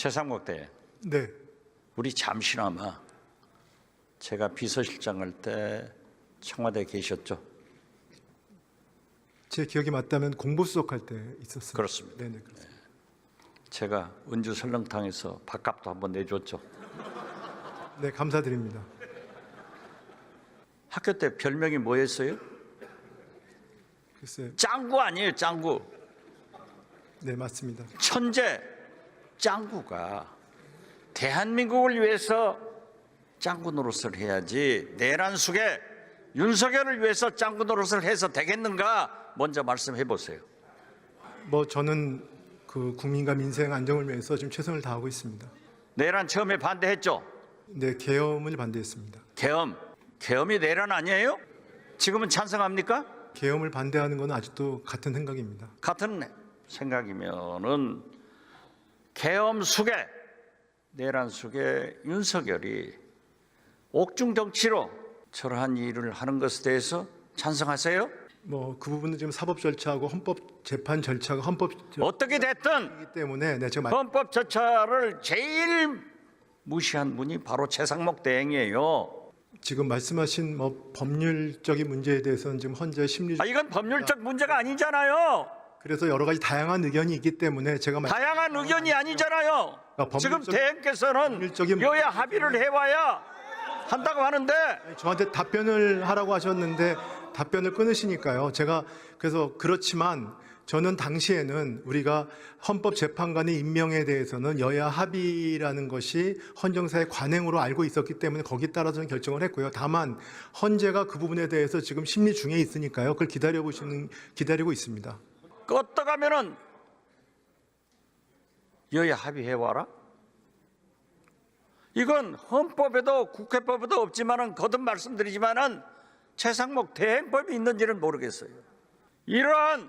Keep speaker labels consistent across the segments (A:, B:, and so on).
A: 최상목 대행,
B: 네,
A: 우리 잠시나마 제가 비서실장 할 때 청와대에 계셨죠?
B: 제 기억이 맞다면 공보수석 할 때 있었습니다.
A: 그렇습니다.
B: 네네, 그렇습니다.
A: 제가 은주 설렁탕에서 밥값도 한번 내줬죠.
B: 네, 감사드립니다.
A: 학교 때 별명이 뭐였어요?
B: 글쎄,
A: 짱구 아니에요, 짱구.
B: 네, 맞습니다.
A: 천재 짱구가 대한민국을 위해서 짱구 노릇을 해야지 내란 속에 윤석열을 위해서 짱구 노릇을 해서 되겠는가 먼저 말씀해 보세요.
B: 뭐 저는 그 국민과 민생 안정을 위해서 지금 최선을 다하고 있습니다.
A: 내란 처음에 반대했죠.
B: 네, 계엄을 반대했습니다.
A: 계엄이 내란 아니에요? 지금은 찬성합니까?
B: 계엄을 반대하는 건 아직도 같은 생각입니다.
A: 같은 생각이면은 계엄 속에 내란 속에 윤석열이 옥중 정치로 저러한 일을 하는 것에 대해서 찬성하세요?
B: 뭐 그 부분은 지금 사법 절차하고 헌법 재판 절차가 헌법
A: 어떻게 됐든
B: 절차이기 때문에 네, 제가
A: 헌법 절차를 제일 무시한 분이 바로 최상목 대행이에요.
B: 지금 말씀하신 뭐 법률적인 문제에 대해서는 지금 헌재 심리적
A: 이건 법률적 문제가 아니잖아요.
B: 그래서 여러 가지 다양한 의견이 있기 때문에 제가
A: 다양한 의견이 아니잖아요. 지금 대행께서는
B: 법률적인
A: 여야 합의를 해와야 한다고 하는데
B: 저한테 답변을 하라고 하셨는데 답변을 끊으시니까요. 제가 그래서 그렇지만 저는 당시에는 우리가 헌법재판관의 임명에 대해서는 여야 합의라는 것이 헌정사의 관행으로 알고 있었기 때문에 거기에 따라서 저는 결정을 했고요. 다만 헌재가 그 부분에 대해서 지금 심리 중에 있으니까요. 그걸 기다리고 있습니다.
A: 껐다가면은 여야 합의해와라. 이건 헌법에도 국회법에도 없지만은 거듭 말씀드리지만은 최상목 대행법이 있는지는 모르겠어요. 이러한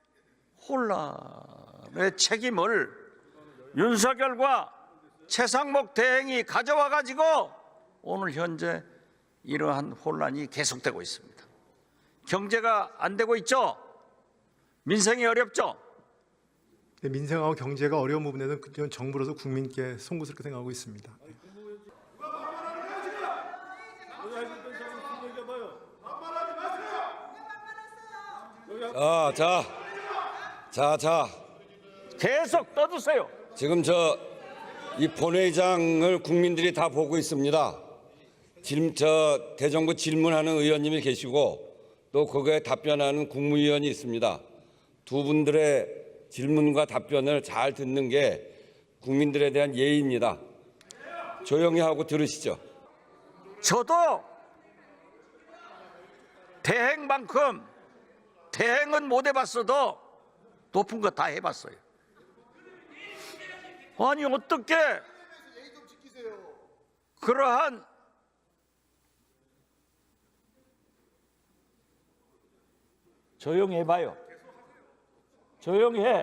A: 혼란의 책임을 윤석열과 최상목 대행이 가져와 가지고 오늘 현재 이러한 혼란이 계속되고 있습니다. 경제가 안 되고 있죠. 민생이 어렵죠.
B: 민생하고 경제가 어려운 부분에는 그건 정부로서 국민께 송구스럽게 생각하고 있습니다.
C: 자.
A: 계속 떠드세요.
C: 지금 이 본회의장을 국민들이 다 보고 있습니다. 지금 대정부 질문하는 의원님이 계시고 또 그거에 답변하는 국무위원이 있습니다. 두 분들의 질문과 답변을 잘 듣는 게 국민들에 대한 예의입니다. 조용히 하고 들으시죠.
A: 저도 대행만큼 대행은 못 해봤어도 높은 거 다 해봤어요. 아니 어떻게 그러한 조용히 해봐요. 조용히 해.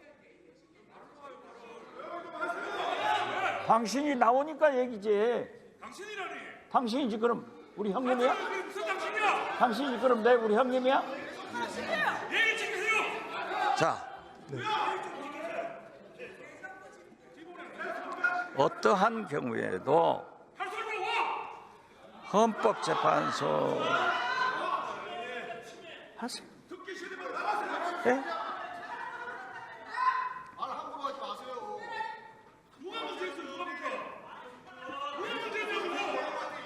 A: 당신이 나오니까 얘기지.
D: 당신이라니.
A: 당신이지 그럼 우리 형님이야?
D: 그게 무슨 당신이야?
A: 당신이 그럼 내 우리 형님이야?
D: 예의 지키세요.
A: 자, 어떠한 경우에도 헌법재판소 하세요. 예?
E: 말 함부로 하지 마세요.
D: 누가 문제였어? 누가 문제? 왜 문제냐고?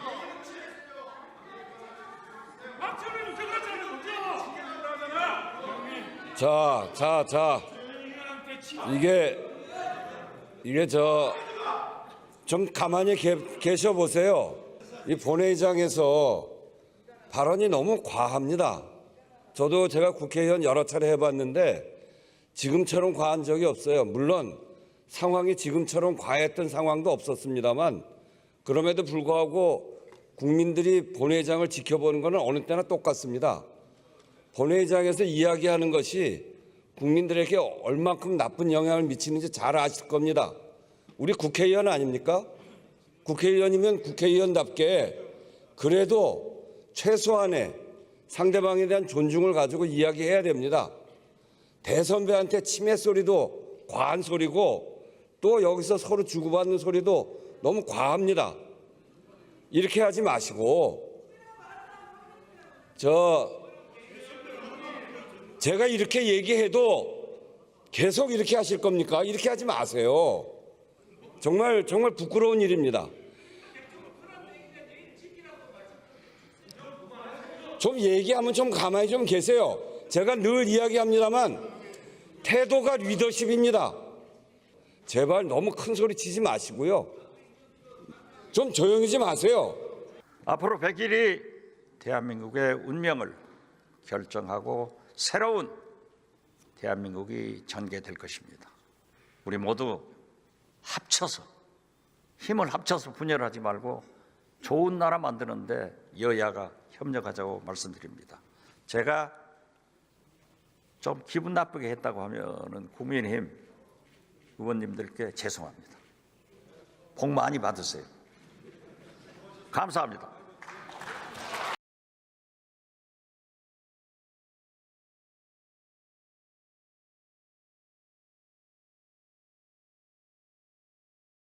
D: 막차를 문제 그랬잖아. 문제야.
C: 자. 이게 좀 가만히 계셔 보세요. 이 본회의장에서 발언이 너무 과합니다. 저도 제가 국회의원 여러 차례 해봤는데 지금처럼 과한 적이 없어요. 물론 상황이 지금처럼 과했던 상황도 없었습니다만 그럼에도 불구하고 국민들이 본회의장을 지켜보는 것은 어느 때나 똑같습니다. 본회의장에서 이야기하는 것이 국민들에게 얼만큼 나쁜 영향을 미치는지 잘 아실 겁니다. 우리 국회의원 아닙니까? 국회의원이면 국회의원답게 그래도 최소한의 상대방에 대한 존중을 가지고 이야기해야 됩니다. 대선배한테 치매 소리도 과한 소리고 또 여기서 서로 주고받는 소리도 너무 과합니다. 이렇게 하지 마시고 제가 이렇게 얘기해도 계속 이렇게 하실 겁니까? 이렇게 하지 마세요. 정말 부끄러운 일입니다. 좀 얘기하면 좀 가만히 좀 계세요. 제가 늘 이야기합니다만 태도가 리더십입니다. 제발 너무 큰 소리 치지 마시고요. 좀 조용히 좀 하세요.
A: 앞으로 100일이 대한민국의 운명을 결정하고 새로운 대한민국이 전개될 것입니다. 우리 모두 합쳐서 힘을 합쳐서 분열하지 말고 좋은 나라 만드는데 여야가 협력하자고 말씀드립니다. 제가 좀 기분 나쁘게 했다고 하면은 국민의힘 의원님들께 죄송합니다. 복 많이 받으세요. 감사합니다.